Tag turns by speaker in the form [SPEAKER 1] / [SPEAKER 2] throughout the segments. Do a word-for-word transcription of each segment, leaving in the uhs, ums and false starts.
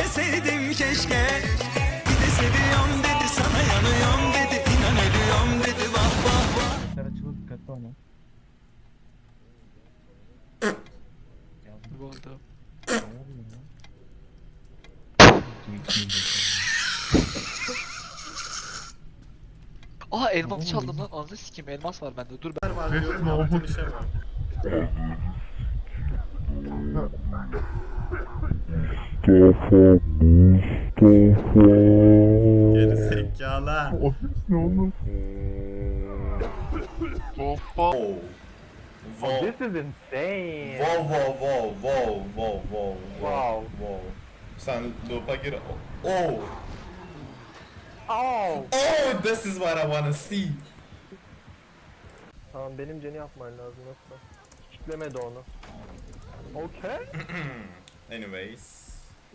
[SPEAKER 1] Sevdim keşke. Bir de seviyorum dedi, sana yanıyorum dedi, inan ölüyorum dedi, vah vah vah.
[SPEAKER 2] Sen açılır, dikkatli olma.
[SPEAKER 3] Bu oldu. Aa elmas çaldım lan. Ananı sikeyim, elmas var bende. Dur ben.
[SPEAKER 4] Var diyorum ya, bir şey var. Geri zekalı.
[SPEAKER 2] Ne oldu?
[SPEAKER 4] Wow. Wow.
[SPEAKER 2] This is insane.
[SPEAKER 4] Wow wow wow wow wow wow
[SPEAKER 2] Wow.
[SPEAKER 4] wow. Sen loop'a gir. Oh.
[SPEAKER 2] Oh.
[SPEAKER 4] Oh, this is what I wanna see.
[SPEAKER 2] Tamam, benim Jen'i yapman lazım yoksa. Kitlemedi onu. Okay.
[SPEAKER 4] Anyways.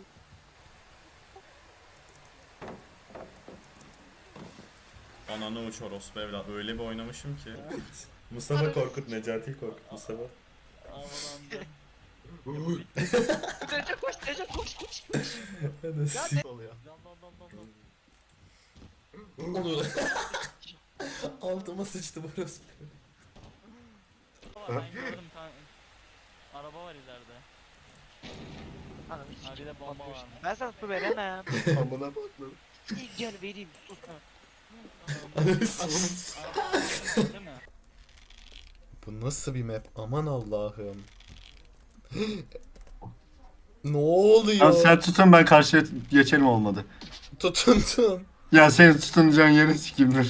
[SPEAKER 4] Ananı uç orospu evlat. Öyle bir oynamışım ki. Mustafa Korkut, Necati Korkut, Mustafa.
[SPEAKER 3] Recep koş, Recep koş koş koş.
[SPEAKER 4] Nasıl oluyor? Onu. Altıma sıçtı bu orospu.
[SPEAKER 5] Ben gördüm kan. Araba var ileride.
[SPEAKER 3] Ananı
[SPEAKER 5] Ha bir
[SPEAKER 3] sikeyim.
[SPEAKER 5] de bomba var.
[SPEAKER 3] Ben sana su veremem.
[SPEAKER 4] Amına bakmadım.
[SPEAKER 3] Gel vereyim, sus.
[SPEAKER 4] Ananı sikeyim.
[SPEAKER 5] Araba var değil mi?
[SPEAKER 4] Bu nasıl bir map? Aman Allah'ım. Ne oluyor?
[SPEAKER 6] Ya sen tutun, ben karşıya geçelim olmadı.
[SPEAKER 4] Tutundum.
[SPEAKER 6] Ya seni tutunacağın yeri sikimdir.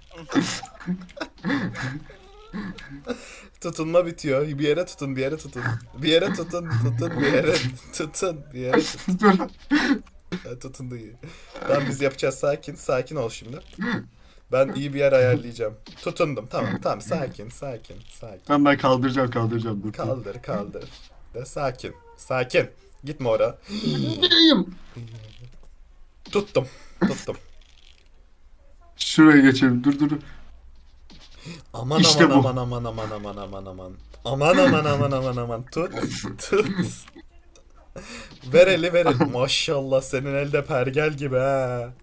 [SPEAKER 4] Tutunma bitiyor. Bir yere tutun, bir yere tutun. Bir yere tutun, tutun, bir yere tutun, bir yere tutun.
[SPEAKER 6] Dur.
[SPEAKER 4] Ha, tutundu iyi. Tamam, biz yapacağız, sakin, sakin ol şimdi. Ben iyi bir yer ayarlayacağım. Tutundum, tamam, tamam, sakin, sakin, sakin.
[SPEAKER 6] Ben ben kaldıracağım kaldıracağım. Dur.
[SPEAKER 4] Kaldır, kaldır. De sakin, sakin. Gitme oraya.
[SPEAKER 6] Gireyim.
[SPEAKER 4] Tuttum, tuttum.
[SPEAKER 6] Şuraya geçelim. Dur dur. dur.
[SPEAKER 4] Aman
[SPEAKER 6] İşte
[SPEAKER 4] aman
[SPEAKER 6] bu.
[SPEAKER 4] aman aman aman aman aman aman. Aman aman aman aman aman. Tut, tut. Ver eli ver eli. Maşallah, senin elde pergel gibi ha.